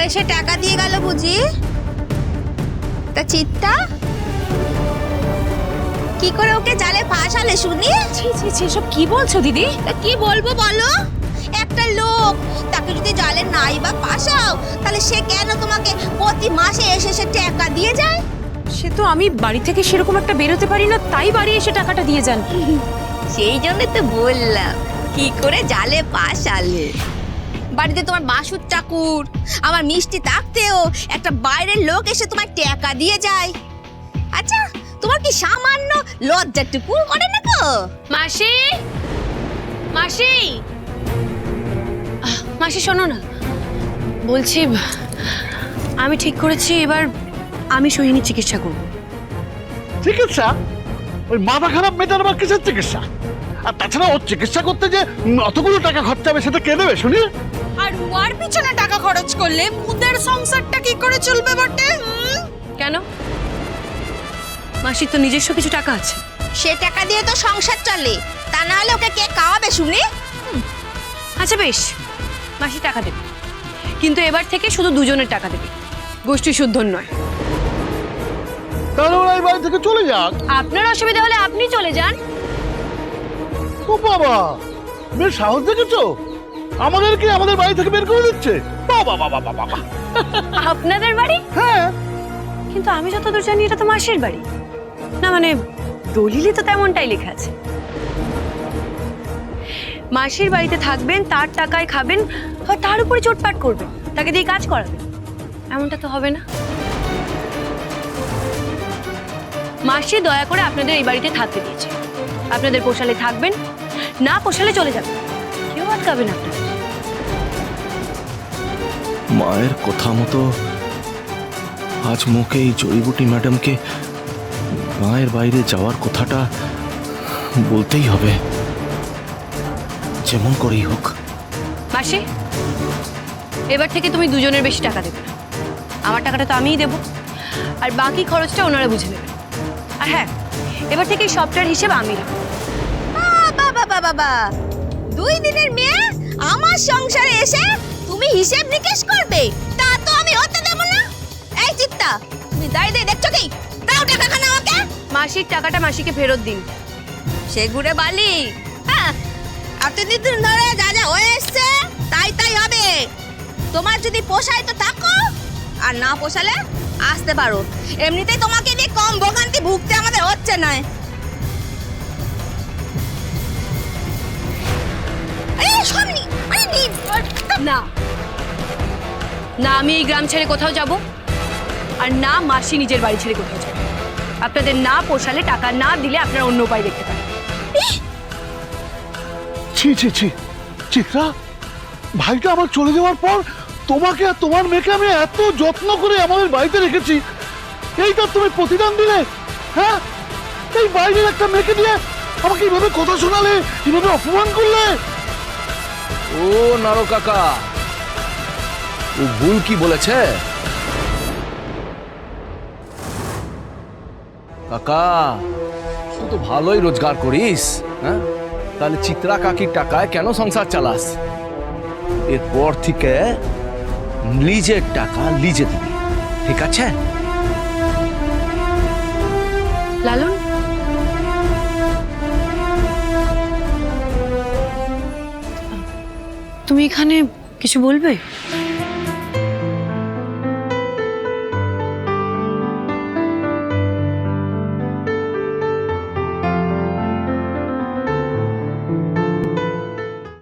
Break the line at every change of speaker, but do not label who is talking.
এসে টাকা দিয়ে গেল বুঝি? তা চিত্তা কি করে ওকে জালে ফাঁসালে শুনি?
ছি ছি ছি, সব কি বলছো দিদি?
তা কি বলবো বলো? একটা লোক, তাকে যদি জালে নাই বা ফাঁসাও, তাহলে সে কেন তোমাকে প্রতি মাসে এসে এসে টাকা দিয়ে যায়?
সে তো আমি বাড়ি থেকে সেরকম একটা বেরোতে পারি না, তাই বাড়ি এসে টাকাটা দিয়ে যান।
সেই জন্য তো বললাম কি করে জালে ফাঁসালে। বাড়িতে তোমার বাসুর ঠাকুর, আমার মিষ্টি থাকতেও একটা বাইরের লোক এসে তোমার টাকা দিয়ে যায়। আচ্ছা, তোমার কি সামান্য লজ্জাটুকু করে না গো?
মাসি, মাসি, মাসি শোনো না, বলছি আমি ঠিক করেছি এবার আমি সোহিনীর চিকিৎসা করব।
চিকিৎসা? ওই মাথা খারাপ মেয়েটার আবার কিসের চিকিৎসা? আর তাছাড়া ওর চিকিৎসা করতে যে অতগুলো টাকা খরচা হবে সেটা কে দেবে শুনি?
আর ওর পিছনে টাকা খরচ করলে মুদের সংসারটা কি করে চলবে বটে?
কেন? মাসির তো নিজস্ব কিছু টাকা আছে।
সে টাকা দিয়ে তো সংসার চলে, তা না হলে ওকে কে খাওয়াবে শুনি?
আচ্ছা বেশ, মাসি টাকা দেবে, কিন্তু এবার থেকে শুধু দুজনের টাকা দেবে, গোষ্ঠী শুদ্ধর নয়।
তাহলে ওরা এই বাড়ি থেকে চলে যাক।
আপনার অসুবিধা হলে আপনি চলে যান।
ও বাবা, বেশ সাহস দেখেছো? আমাদেরকে আমাদের বাড়ি থেকে বের করে দিচ্ছে। বাবা বাবা বাবা বাবা।
আপনাদের বাড়ি?
হ্যাঁ,
কিন্তু আমি যতদূর জানি এটা তো মাসির বাড়ি না, মানে দলিলে তো তেমনটাই লেখা আছে। মাসির বাড়িতে থাকবেন, তার টাকায় খাবেন, আর তার উপরে চোটপাট করবেন, তাকে দিয়ে কাজ করাবেন, এমনটা তো হবে না। মাসি দয়া করে আপনাদের এই বাড়িতে থাকতে দিয়েছে। আপনাদের পোষালে থাকবেন, না পোষালে চলে যাবেন, কেউ আটকাবেন আপনাদের।
মায়ের কথা মতো আজ মুখে এই জড়িবুটি ম্যাডামকে মায়ের বাইরে যাওয়ার কথাটা বলতেই হবে, যেমন করেই হোক।
মাসি, এবার থেকে তুমি দুজনের বেশি টাকা দেবে না, আমার টাকাটা তো আমিই দেবো, আর বাকি খরচটা ওনারা বুঝে নেবেন। আর হ্যাঁ, এবার থেকে এই সবটার হিসেব আমি রাখবো।
বাবা বাবা বাবা, 2 দিনের মেয়ে আমার সংসারে এসে তুমি হিসেব নিকেশ করবে? তা তো আমি হতে দেব না। এই চিত্তা, তুমি দাঁড়িয়ে দেখছো কি? দাও টাকাখানা আমাকে।
মাসির টাকাটা মাসিকে ফেরত দিন।
সে ঘুরে বালি। হ্যাঁ, এতদিন ধরে যা যা হয়ে এসছে তাই তাই হবে। তোমার যদি পোষায় তো থাকো, আর না পোষালে আসতে পারো। এমনিতেই তোমাকে নিয়ে কম ভোগান্তি ভুগতে আমাদের হচ্ছে না। আরে সামনে, আরে
না না, আমি এই গ্রাম ছেড়ে কোথাও যাব, আর না মাসি নিজের বাড়ি ছেড়ে কোথাও যাবে। আপনাদের না পোষালে, টাকা না দিলে আপনারা অন্য উপায় দেখতে পারেন।
ছি ছি ছি, চিত্রা, ভাইটা আমার চলে যাওয়ার পর তোমাকে আর তোমার মেয়েকে আমি এত যত্ন করে আমাদের বাড়িতে রেখেছি, এইটা তুমি প্রতিদান দিলে? হ্যাঁ, এই বাইরের একটা মেয়েকে দিয়ে আমাকে এইভাবে কথা শোনালে, এইভাবে অপমান করলে।
ও নারো কাকা, ও ভুল কি বলেছে? কাকা, তুই তো ভালোই রোজগার করিস, হ্যাঁ? তাহলে চিত্রা কাকির টাকায় কেন সংসার চালাস? এরপর থেকে লিজের টাকা লিজে দিবি, ঠিক আছে?
লালন, তুমি এখানে কিছু বলবে?